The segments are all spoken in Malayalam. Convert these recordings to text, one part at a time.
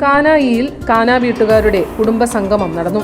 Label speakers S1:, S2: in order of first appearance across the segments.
S1: കാനായിയിൽ കാന വീട്ടുകാരുടെ കുടുംബസംഗമം നടന്നു.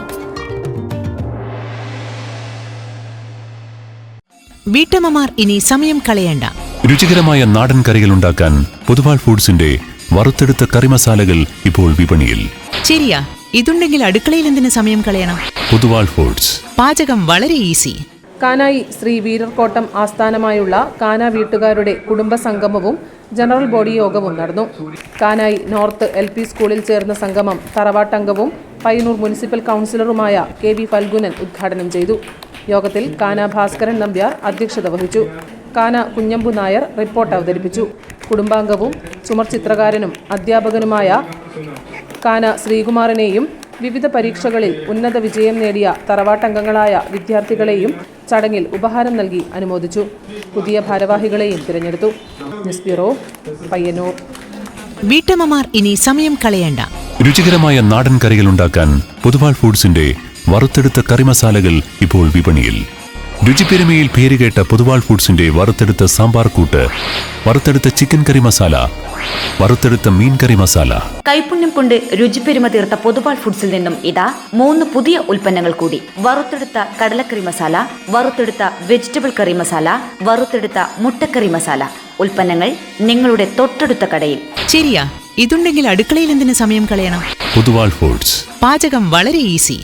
S2: വീട്ടമ്മമാർ ഇനി സമയം കളയണ്ട.
S3: രുചികരമായ നാടൻ കറികൾ ഉണ്ടാക്കാൻ പൊതുവാൾ ഫുഡ്സിന്റെ വറുത്തെടുത്ത കറി മസാലകൾ ഇപ്പോൾ വിപണിയിൽ.
S2: ശരിയാ, ഇതുണ്ടെങ്കിൽ അടുക്കളയിൽ എന്തിനു സമയം കളയണം?
S3: പൊതുവാൾ ഫുഡ്സ്.
S2: പാചകം വളരെ ഈസി.
S1: കാനായി ശ്രീ വീരർകോട്ടം ആസ്ഥാനമായുള്ള കാന വീട്ടുകാരുടെ കുടുംബസംഗമവും ജനറൽ ബോഡി യോഗവും നടന്നു. കാനായി നോർത്ത് LP സ്കൂളിൽ ചേർന്ന സംഗമം തറവാട്ടംഗവും പയ്യന്നൂർ മുനിസിപ്പൽ കൗൺസിലറുമായ KV ഫൽഗുനൻ ഉദ്ഘാടനം ചെയ്തു. യോഗത്തിൽ കാന ഭാസ്കരൻ നമ്പ്യാർ അധ്യക്ഷത വഹിച്ചു. കാന കുഞ്ഞമ്പു നായർ റിപ്പോർട്ട് അവതരിപ്പിച്ചു. കുടുംബാംഗവും ചുമർ ചിത്രകാരനും അധ്യാപകനുമായ കാന ശ്രീകുമാറിനെയും വിവിധ പരീക്ഷകളിൽ ഉന്നത വിജയം നേടിയ തറവാട്ടംഗങ്ങളായ വിദ്യാർത്ഥികളെയും ചടങ്ങിൽ ഉപഹാരം നൽകി അനുമോദിച്ചു. പുതിയ ഭാരവാഹികളെയും തിരഞ്ഞെടുത്തു. News bureau, Payyanur.
S2: വീട്ടമ്മമാർ ഇനി സമയം കളയണ്ട.
S3: രുചികരമായ നാടൻ കറികൾ ഉണ്ടാക്കാൻ പൊതുവാൾ ഫുഡ്സിന്റെ വറുത്തെടുത്ത കറി മസാലകൾ ഇപ്പോൾ വിപണിയിൽ. രുചിപ്പെരുമയിൽ പേരുകേട്ട പൊതുവാൾ ഫുഡ്സിന്റെ വറുത്തെടുത്ത സാമ്പാർ കൂട്ട്, വറുത്തെടുത്ത ചിക്കൻ കറി മസാല, വറുത്തെടുത്ത മീൻ കറി മസാല.
S4: കൈപുണ്യം കൊണ്ട് രുചിപ്പെരുമ തീർത്ത പൊതുവാൾ ഫുഡ്സിൽ നിന്നും ഇതാ 3 പുതിയ ഉൽപ്പന്നങ്ങൾ കൂടി. വറുത്തെടുത്ത കടലക്കറി മസാല, വറുത്തെടുത്ത വെജിറ്റബിൾ കറി മസാല, വറുത്തെടുത്ത മുട്ടക്കറി മസാല. ഉൽപ്പന്നങ്ങൾ നിങ്ങളുടെ തൊട്ടടുത്ത കടയിൽ.
S2: ശരിയാ, ഇതുണ്ടെങ്കിൽ അടുക്കളയിൽ എന്തിനു സമയം കളയണം?
S3: പൊതുവാൾ ഫുഡ്സ്.
S2: പാചകം വളരെ ഈസി.